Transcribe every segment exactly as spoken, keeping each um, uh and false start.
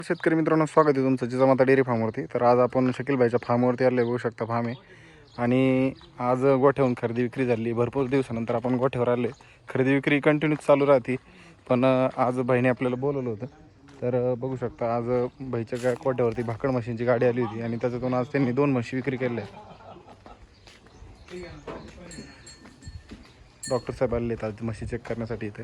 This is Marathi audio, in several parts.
शेतकरी मित्रांनो, स्वागत आहे तुमचं जिजामाता डेअरी फार्मवरती. तर आज आपण शकील भाईच्या फार्मवरती आले. बघू शकता फार्म आहे आणि आज गोठ्यावरून खरेदी विक्री झाली. भरपूर दिवसानंतर आपण गोठ्यावर आले. खरेदी विक्री कंटिन्यूच चालू राहते, पण आज भाईने आपल्याला बोलवलं होतं. तर बघू शकता आज भाईच्या गोठ्यावरती भाकड मशीनची गाडी आली होती आणि त्याच्यातून आज त्यांनी दोन म्हशी विक्री केल्या. डॉक्टर साहेब आले आहेत आज म्हशी चेक करण्यासाठी इथे.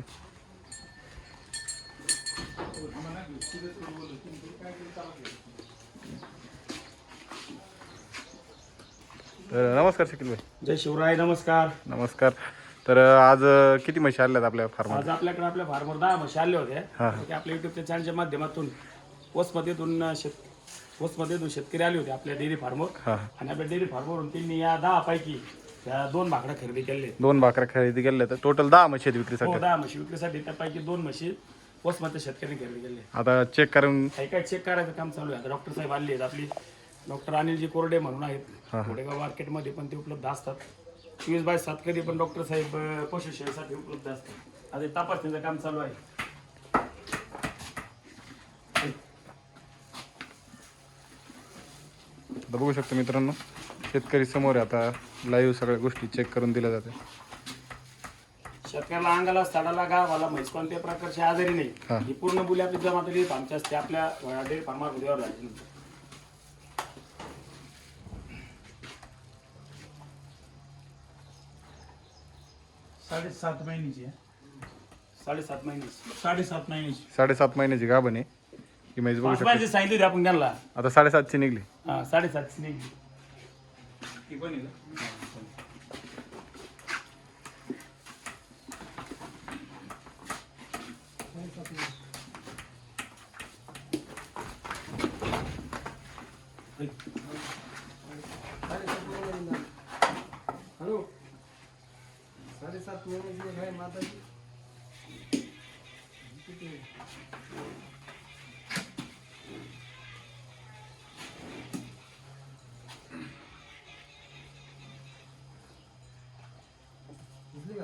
तर नमस्कार शकील भाई. जय शिवराय. नमस्कार. नमस्कार. तर आज किती म्हशी आल्यात आपल्या फार्मवर? आज आपल्याकडे आपल्या फार्मवर दहा म्हशी आले होते की आपल्या युट्यूबच्या चॅनलच्या माध्यमातून वसमध्येतून शेत वसमध्येतून शेतकरी आले होते आपल्या डेअरी फार्मवर आणि आपल्या डेअरी फार्मवरून त्यांनी या दहा पैकी त्या दोन भाकड्या खरेदी केले. दोन भाकऱ्या खरेदी केल्या. तर टोटल दहा म्हशी आहेत विक्रीसाठी. हो, दहा म्हशी विक्रीसाठी. त्यापैकी दोन म्हशी वसमच्या शेतकऱ्यांनी खरेदी केले. आता चेक करून काही काय चेक करायचं काम चालू आहे. आता डॉक्टर साहेब आले आहेत आपली. डॉक्टर अनिलजी कोरडे म्हणून आहेत, घोडेगाव मार्केटमध्ये पण ते उपलब्ध असतात. चोवीस बाय सात कधी पण डॉक्टर साहेब पशुसेवेसाठी उपलब्ध असतात. आता तपासणीचं काम चालू आहे. आता बघू शकतो मित्रांनो, शेतकरी समोर आहे. आता लाईव्ह सगळ्या गोष्टी चेक करून दिल्या जाते. शेतकऱ्याला अंगाला साडाला गावाला म्हैस कोणत्या प्रकारची आजारी नाही. ही पूर्ण बोली आपली जमा तरी फार्मची असते आपल्या डेअरी फार्मावर राहिली. साडेसात महिन्याची आहे. साडेसात महिन्याची साडेसात महिन्याची साडेसात महिन्याची गाभण आहे ही म्हैस. बघू पाच शकतो महिन्याची सांगितली होती आपण त्यांना. आता साडेसातची निघली. हा, साडेसातची निघली. ती पण आहे का? हॅलो, साडेसात महिन्याची आहे माताची. दिसली का?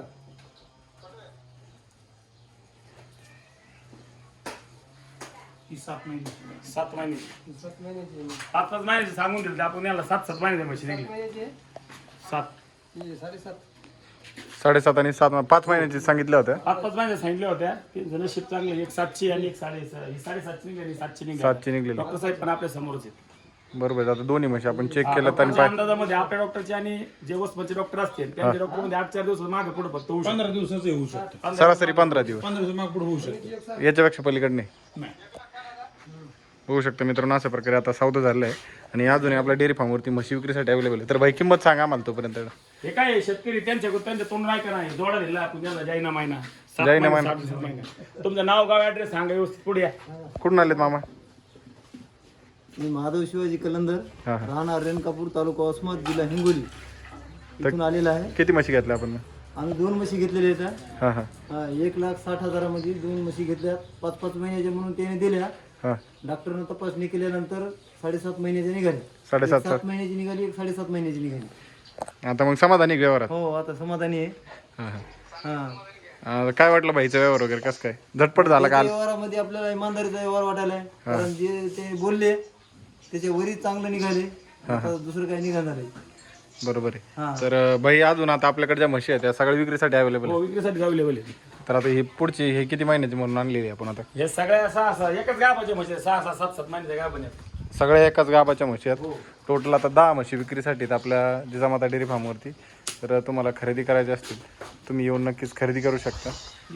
ती सात महिन्याची. सात महिन्याची. सात महिन्याची आहे. पाच पाच महिन्याची सांगून दिली आपण याला. सात सात महिन्याची म्हशी सात निघली. महिन्याची आहे. सात ती साडेसात. साडेसात आणि सात पाच महिन्याची सांगितल्या होत्या. पाच पाच महिन्यात सांगितल्या होत्या. तीन नशीब चांगले. एक सातची आणि एक साडे ही साडेसातची निघाली आणि सातची निघाली. सातची निघलेली. डॉक्टर साहेब पण आपल्या समोरच आहेत. बरोबर. आता दोन्ही म्हशी आपण चेक केल्यात आणि डॉक्टरच्या अंदाजामध्ये आपल्या डॉक्टरचे आणि जे वसमतचे डॉक्टर असतील त्यांच्या डॉक्टर मध्ये आठ चार दिवस मागे पुढे फक्त होऊ शकतं. पंधरा दिवसाचं होऊ शकतं. सरासरी पंधरा दिवस. पंधरा दिवस माग पुढे होऊ शकतं. याच्यापेक्षा पलीकडे नाही. नाही. बघू शकतो मित्रांनो, अशा प्रकारे आता सौदा झालेला आहे आणि अजूनही आपल्या डेअरी फार्मवरती म्हशी विक्रीसाठी अवेलेबल आहे. तर भाई किंमत सांगा आम्हाला तोपर्यंत. हे काय शेतकरी त्यांच्या त्यांच्या तोंड नाही का नाही जोडा दिला आपण त्याला जाईना महिना. सात जाईना महिना, महिना. सात महिना. तुमचं नाव गाव ऍड्रेस सांगा व्यवस्थित. पुढे या. कुठून आलेत मामा? मी महादेव शिवाजी कलंदर, हा, हा. राहणार रेणकापूर, तालुका वसमत, जिल्हा हिंगोली इथून आलेला आहे. किती म्हशी घेतल्या आपण? आम्ही दोन म्हशी घेतलेल्या आहेत. हां हां हा, एक लाख साठ हजारामध्ये दोन म्हशी घेतल्या. पाच पाच महिन्याच्या म्हणून त्याने दिल्या. हां. डॉक्टरनं तपासणी केल्यानंतर साडेसात महिन्याची निघाली. साडेसात एक सात महिन्याची निघाली, एक साडेसात महिन्याची निघाली. आता मग समाधानी व्यवहारात? हो, आता समाधानी आहे. हां हां. हा, अं, काय वाटलं भाईचा व्यवहार वगैरे कसं काय? झटपट झाला काल? व्यवहारामध्ये आपल्याला इमानदारीचा व्यवहार वाटायला आहे. कारण जे ते बोलले त्याच्या वरी चांगलं निघाले. आता दुसरं काही निघालं नाही. बरोबर हा. आहे. तर अं, भाई अजून आता आपल्याकडे ज्या म्हशी आहेत त्या सगळ्या विक्रीसाठी अवेलेबल हो, आहे. विक्रीसाठी अवेलेबल आहे. तर आता ही पुढची हे किती महिन्याची म्हणून आणलेली आहे आपण आता? हे सगळ्या सहा सहा एकच गावाचे म्हशी सहा सहा सात सात महिन्याच्या गाव आहेत. सगळ्या एकाच गावाच्या म्हशी आहेत. टोटल आता दहा म्हशी विक्रीसाठी आहेत आपल्या जिजामाता डेअरी फार्मवरती. तर तुम्हाला खरेदी करायची असतील तुम्ही येऊन नक्कीच खरेदी करू शकता.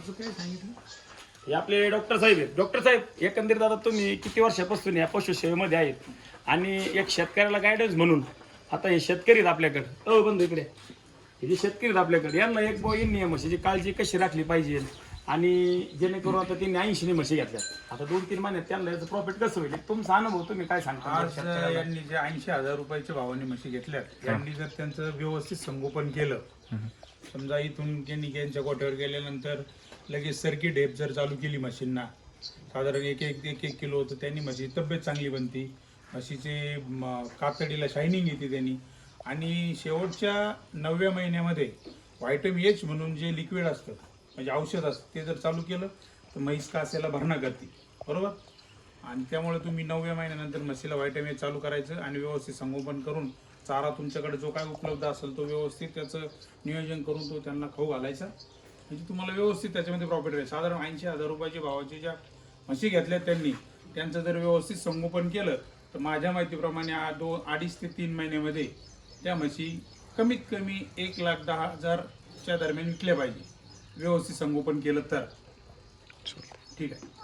हे आपले डॉक्टर साहेब आहेत. डॉक्टर साहेब, एकंदरीत आता तुम्ही किती वर्षापासून या पशुसेवेमध्ये आहेत आणि एक शेतकऱ्याला गायडन्स म्हणून आता हे शेतकरी आहेत आपल्याकडे. अ बंधू इकडे हे जे शेतकरी आहेत आपल्याकडे, यांना एक बो यांनी म्हशीची काळजी कशी राखली पाहिजे आणि जेणेकरून आता त्यांनी ऐंशी म्हशी घेतल्या. आता दोन तीन महिन्यात त्यांना याचं प्रॉफिट कसं होईल तुमचा अनुभव तुम्ही काय सांगता? आज यांनी जे ऐंशी हजार रुपयाच्या भावाने म्हशी घेतल्यात, यांनी जर त्यांचं व्यवस्थित संगोपन केलं, समजा इथून त्यांनी यांच्या गोठ्यावर गेल्यानंतर लगेच सरकी ढेप जर चालू केली म्हशींना, साधारण एक एक एक एक किलो होतं, त्यांनी म्हशीची तब्येत चांगली बनती, म्हशीचे कातडीला शायनिंग येते त्यांनी. आणि शेवटच्या नवव्या महिन्यामध्ये व्हायटमिन एच म्हणून जे लिक्विड असतं म्हणजे औषध असतं ते जर चालू केलं तर म्हैस कासेला भरणा करते, बरोबर. आणि त्यामुळे तुम्ही नवव्या महिन्यानंतर म्हशीला व्हायटॅमिन चालू करायचं आणि व्यवस्थित संगोपन करून चारा तुमच्याकडे जो काय उपलब्ध असेल तो व्यवस्थित त्याचं नियोजन करून तो त्यांना खाऊ घालायचा, म्हणजे तुम्हाला व्यवस्थित त्याच्यामध्ये प्रॉफिट राहील. साधारण ऐंशी हजार रुपयाच्या भावाची ज्या म्हशी घेतल्यात त्यांनी, त्यांचं जर व्यवस्थित संगोपन केलं तर माझ्या माहितीप्रमाणे आ- दोन अडीच ते तीन महिन्यामध्ये त्या म्हशी कमीत कमी एक लाख दहा हजारच्या दरम्यान विकल्या पाहिजे व्यवस्थित संगोपन केलं तर. ठीक आहे.